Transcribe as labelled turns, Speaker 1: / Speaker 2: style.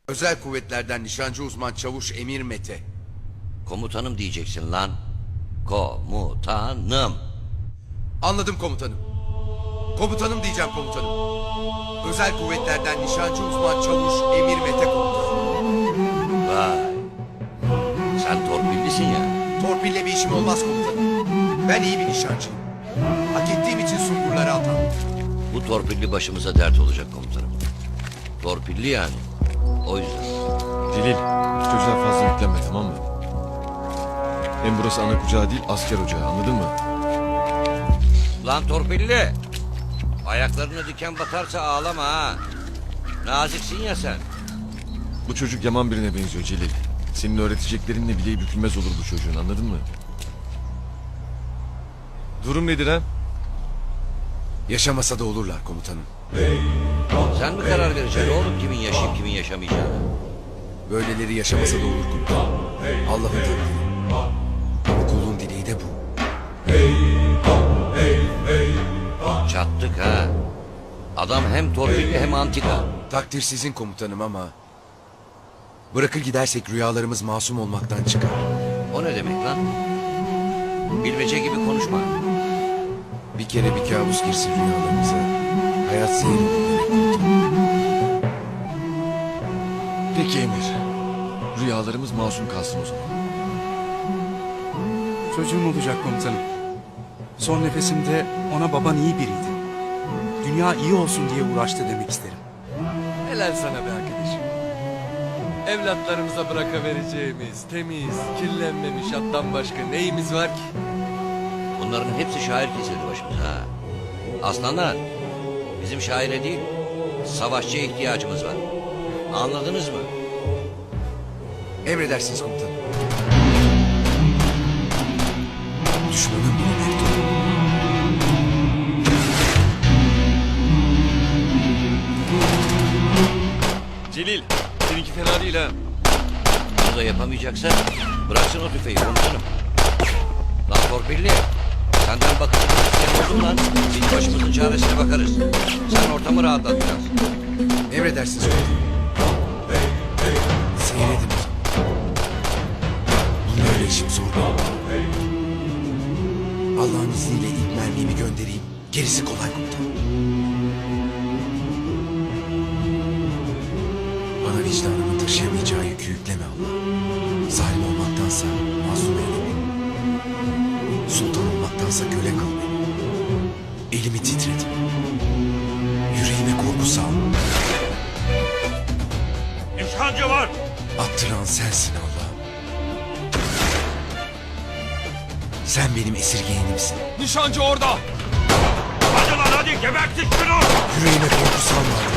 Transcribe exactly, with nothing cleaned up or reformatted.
Speaker 1: Özel kuvvetlerden nişancı uzman çavuş Emir Mete.
Speaker 2: Komutanım diyeceksin lan. Komutanım.
Speaker 1: Anladım komutanım. Komutanım diyeceğim komutanım. Özel kuvvetlerden nişancı uzman çavuş Emir Mete komutanım.
Speaker 2: Vay. Sen torpillisin ya.
Speaker 1: Torpille bir işim olmaz komutanım. Ben iyi bir nişancıyım. Hak ettiğim için sungurlara atandım.
Speaker 2: Bu torpilli başımıza dert olacak komutanım. Torpilli yani. O yüzden.
Speaker 3: Celil, çocuğa fazla yüklenme, tamam mı? Hem burası ana kucağı değil, asker ocağı, anladın mı?
Speaker 2: Lan torpilli. Ayaklarına diken batarsa ağlama ha. Naziksin ya sen.
Speaker 3: Bu çocuk yaman birine benziyor Celil. Senin öğreteceklerinle bileği bükülmez olur bu çocuğun, anladın mı? Durum nedir ha?
Speaker 1: Yaşamasa da olurlar komutanım.
Speaker 2: Sen mi karar vereceksin oğlum kimin yaşayıp kimin yaşamayacağını?
Speaker 1: Böyleleri yaşamasa da olur komutanım. Allah'ın takdiri. Kulun dileği de bu.
Speaker 2: Çattık ha. Adam hem torpilli hem antika.
Speaker 1: Takdir sizin komutanım ama... Bırakır gidersek rüyalarımız masum olmaktan çıkar.
Speaker 2: O ne demek lan? Bilmece gibi konuşma.
Speaker 1: Bir kere bir kabus girsin rüyalarımıza. Hayat seyir olur demek komutanım.
Speaker 3: Peki Emir. Rüyalarımız masum kalsın o zaman.
Speaker 4: Çocuğum olacak komutanım. Son nefesimde ona baban iyi biriydi. Dünya iyi olsun diye uğraştı demek isterim.
Speaker 5: Helal sana be arkadaşım. Evlatlarımıza bırakavereceğimiz temiz, kirlenmemiş attan başka neyimiz var ki?
Speaker 2: Bunların hepsi şair kesildi başımıza ha. Aslanlar, bizim şaire değil, savaşçıya ihtiyacımız var. Anladınız mı?
Speaker 1: Emredersiniz komutanım. Düşmanın bile mektubu.
Speaker 3: Celil, seninki fena değil ha.
Speaker 2: Bunu da yapamayacaksa bıraksın o tüfeği komutanım. Lan torpilli, senden bakıcı bir isteyen oldum lan. Biz başımızın çaresine bakarız. Sen ortamı rahatlat biraz.
Speaker 1: Emredersiniz komutanım. Seyredin o zaman. Bunun öyle işim zor değil. Allah'ın izniyle ilk mermimi göndereyim. Gerisi kolay komutanım. Bana vicdanımın taşıyamayacağı yükü yükleme Allah. Zalim olmaktansa mazlum eyle beni. Sultan olmaktansa köle kıl beni. Elimi titret. Yüreğime korku sal.
Speaker 6: Nişancı var.
Speaker 1: Attıran sensin Allah'ım. Sen benim esirgeyenimsin.
Speaker 5: Nişancı orada!
Speaker 6: Hadi lan hadi gebertin şunu.
Speaker 1: Yüreğime korku salma Allah'ım.